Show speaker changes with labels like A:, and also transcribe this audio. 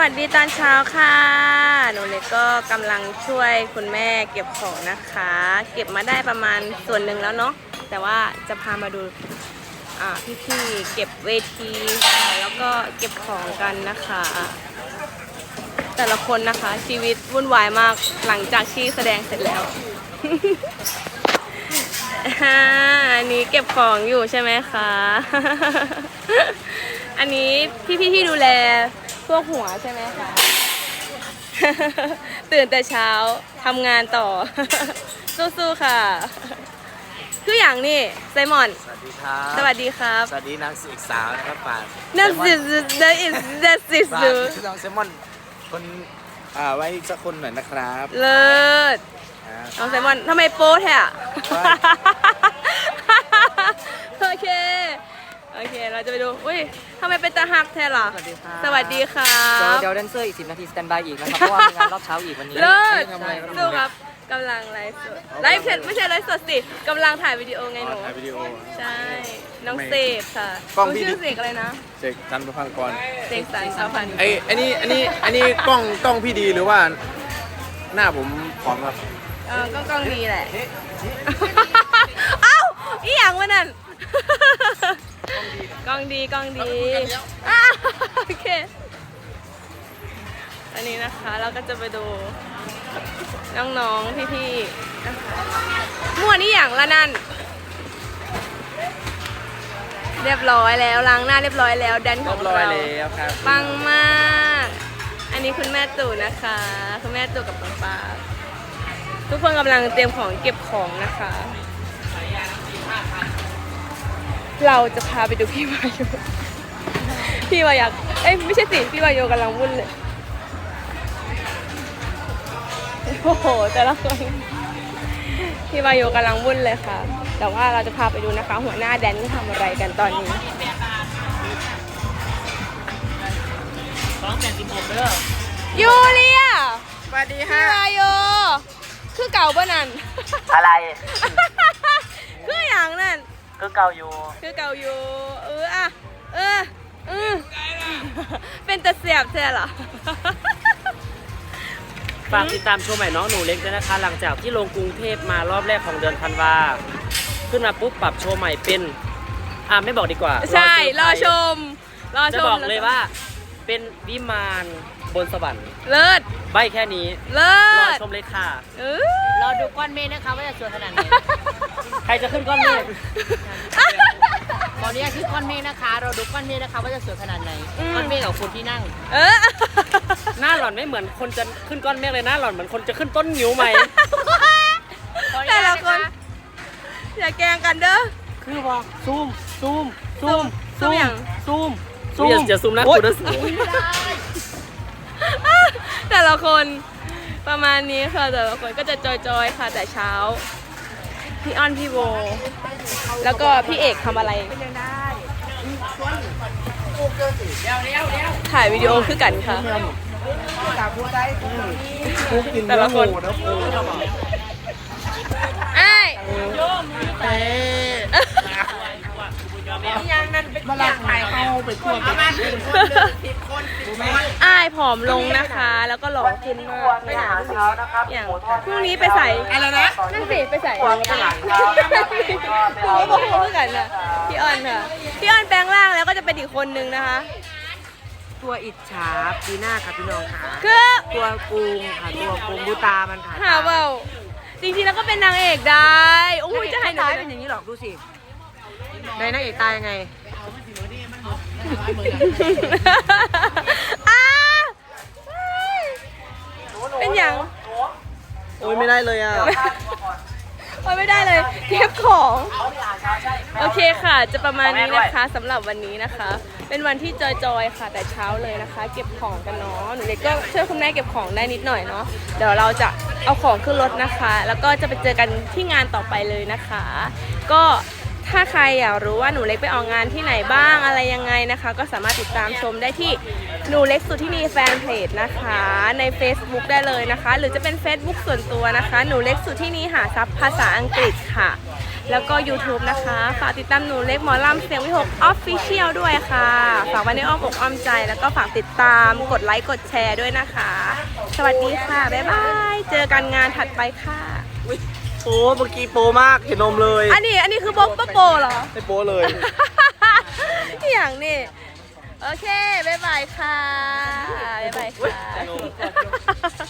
A: สวัสดีตอนเช้าค่ะหนูเล็กก็กำลังช่วยคุณแม่เก็บของนะคะ เก็บมาได้ประมาณส่วนหนึ่งแล้วเนาะแต่ว่าจะพามาดูพี่ๆเก็บเวทีแล้วก็เก็บของกันนะคะ แต่ละคนนะคะชีวิตวุ่นวายมากหลังจากที่แสดงเสร็จแล้ว อันนี้เก็บของอยู่ใช่ไหมคะ อันนี้พี่ๆที่ดูแลพวกหัวใช่ไหมคะ ตื่นแต่เช้าทำงานต่อ สู้ๆค่ะคืออย่างนี้ไซมอน
B: สวัสดีครับ
A: สวัสดีครับ
B: สวัสดีนางเอกสาวนะครับป่าน
A: นั่นสินั่นอิสนั่นสิ
B: ฝาก
A: สู
B: น้องเซมอนคนไว้สักคนหน่อยนะครับ
A: เลิศน้องไซมอนทำไมโป๊แท้อะ โอเคเราจะไปดูอุ้ยทำไมเป็นตาหักแท้ล่ะ
C: สวัสดีครับ
A: สวัสดีค่ะ
C: เดี๋ยวแดนเซอร์อีก10 นาทีสแตนบายอีกนะครับ เพราะว่ามีงานรอบเช้าอีกวันนี้
A: เลิศ
B: ทำอะไรครับ
A: สู้ครับกำลังไลฟ์สดไลฟ์เสร็จไม่ใช่ไลฟ์สดสิกำลังถ่ายวิดีโอไงหนู
B: ถ่ายวิดีโอ
A: ใช่ น้องเสกค่ะ
B: กล้องพี่
A: ชื่อเสกอะไรนะ
B: เสกจันทร์ประพังกร
A: เสกสรรสาวพันธุ์
B: อันนี้กล้องพี่ดีหรือว่าหน้าผมผอมครับ
A: กล้องดีแหละ เอ้าอีหยังวะนั่น กล้องดีอ่ะโอเค อันนี้นะคะเราก็จะไปดูน้องๆพี่ๆนะคะมั่วนี่อย่างละนั่น เรียบร้อยแล้วล้างหน้าเรียบร้อยแล้วแดนของเรา
B: ครับ
A: ปังมาก อันนี้คุณแม่ตู่นะคะ คุณแม่ตู่กับปังปาทุกคนกำลังเตรียมของเก็บของนะคะ เราจะพาไปดูพี่วายุพี่วายักไม่ใช่สิ พี่วายุกำลังวุ่นเลย โอ้โห แต่ละคน พี่วายุกำลังวุ่นเลยค่ะ แต่ว่าเราจะพาไปดูนะคะ หัวหน้าแดนทำอะไรกันตอนนี้ยูเลีย
C: สวัสดี
A: พี่วายุคือเก่าป่ะนั่น
C: อะไร
A: คืออย่างนั่น
C: คือเก่าอยู่
A: คือเก่าอยู่เป็นตะเสียบใช่เหรอ
D: ฝากติดตามชมใหม่น้องหนูเล็กด้วยนะคะ หลังจากที่ลงกรุงเทพมารอบแรกของเดือนธันวาขึ้นมาปุ๊บปรับโชว์ใหม่เป็นไม่บอกดีกว่า
A: ใช่รอช
D: ม
A: ม
D: จะบอกเลยว่าเป็นวิมานบนสวรรค์
A: เลิศ
D: ใบแค่นี้
A: เลิ
D: รอ
A: ศ
D: ชมเลยค่ะ
C: รอดูก้อนเมฆนะคะว่าจะสวยขนาดไหน
D: ใครจะขึ้นก้อนเมฆ
C: ตอนนี้คือก้อนเมฆนะคะ เราดูก้อนเมฆนะคะว่าจะสวยขนาดไหน ก้อนเมฆกับคนที่นั่ง
D: หน้าหล่อนไม่เหมือนคนจะขึ้นก้อนเมฆเลยหน้าหล่อนเหมือนคนจะขึ้นต้นงิ้วใหม่
A: แต่ละคนอย่าแกล้งกันเด้อ
D: คือว่าซูม
A: ซูมอย่าง
D: อย่าซูมนะคุณนะ
A: แต่ละคนประมาณนี้ค่ะแต่ละคนก็จะจอยๆค่ะแต่เช้า พี่อ้อนพี่โบ แล้วก็พี่เอกทำอะไรถ่ายวิดีโอคือกันค่ะแต่ละคนไอ้อ้ายผอมลงนะคะ แล้วก็หล่อขึ้นมากอย่างพรุ่งนี้ไปใส่อะไรนะนั่นสิไปใส่พรุ่งนี้บอกพูดกันนะพี่อ้อนค่ะพี่อ้อนแปลงร่างแล้วก็จะเป็นอีกคนนึงนะคะ
C: ตัวอิจฉาปีหน้าค่ะพี่น้องค่ะ
A: คือ
C: ตัวกูงค่ะ ตัวกูงดูตามันค่ะ
A: หาเบาจริงๆแล้วก็เป็นนางเอกได้โอ้ยจะให้หนู
C: ตายเป็นอย่างนี้หรอกดูสิในนางเอกตายยังไง
A: เป็นอย่าง
C: โอ้ยไม่ได้เลยอ่ะ
A: โอ้ยไม่ได้เลยเก็บของโอเคค่ะ จะประมาณนี้นะคะสำหรับวันนี้นะคะ เป็นวันที่จอยๆค่ะแต่เช้าเลยนะคะ เก็บของกันเนาะหนูเล็กก็ช่วยคุณแม่เก็บของได้นิดหน่อยเนาะเดี๋ยวเราจะเอาของขึ้นรถนะคะ แล้วก็จะไปเจอกันที่งานต่อไปเลยนะคะ ก็ถ้าใครอยากรู้ว่าหนูเล็กไปออกงานที่ไหนบ้างอะไรยังไงนะคะ ก็สามารถติดตามชมได้ที่หนูเล็กสุธินีแฟนเพจนะคะใน Facebook ได้เลยนะคะ หรือจะเป็น Facebook ส่วนตัวนะคะหนูเล็กสุธินีหาทรัพย์ภาษาอังกฤษค่ะแล้วก็ YouTube นะคะ ฝากติดตามหนูเล็กหมอลำเสียงวิหก Official ด้วยค่ะ ฝากไว้ในอ้อมอกอ้อมใจ แล้วก็ฝากติดตามกดไลค์กดแชร์ด้วยนะคะ สวัสดีค่ะ บ๊ายบาย เจอกันงานถัดไปค่ะ
B: โอ้เมื่อกี้โปมากเห็นนมเลย
A: อันนี้คือบ๊อบโปเหรอ
B: ไม่โปเลย
A: อย่างนี้ โอเค บ๊ายบายค่ะ บ๊ายบายค่ะ